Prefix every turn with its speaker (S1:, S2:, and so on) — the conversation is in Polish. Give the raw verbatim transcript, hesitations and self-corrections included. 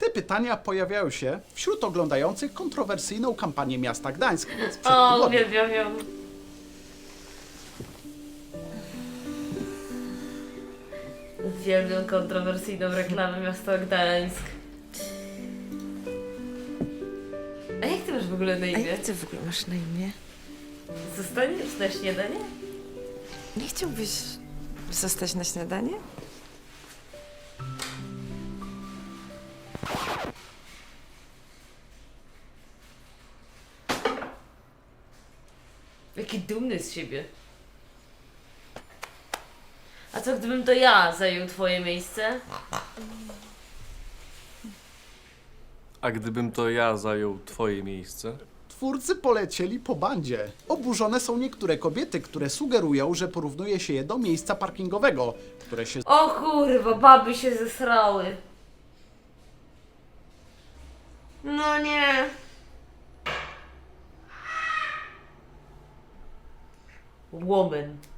S1: Te pytania pojawiają się wśród oglądających kontrowersyjną kampanię miasta Gdańsk sprzed
S2: O,
S1: tygodnia.
S2: uwielbiam ją. Uwielbiam kontrowersyjną reklamę miasta Gdańsk. A jak ty masz w ogóle na
S3: A
S2: imię?
S3: jak ty w ogóle masz na imię?
S2: Zostaniesz na śniadanie?
S3: Nie chciałbyś zostać na śniadanie?
S2: Jaki dumny z siebie. A co gdybym to ja zajął twoje miejsce?
S4: A gdybym to ja zajął twoje miejsce?
S1: Twórcy polecieli po bandzie. Oburzone są niektóre kobiety, które sugerują, że porównuje się je do miejsca parkingowego, które się
S2: O kurwa, baby się zesrały. No nie. Woman.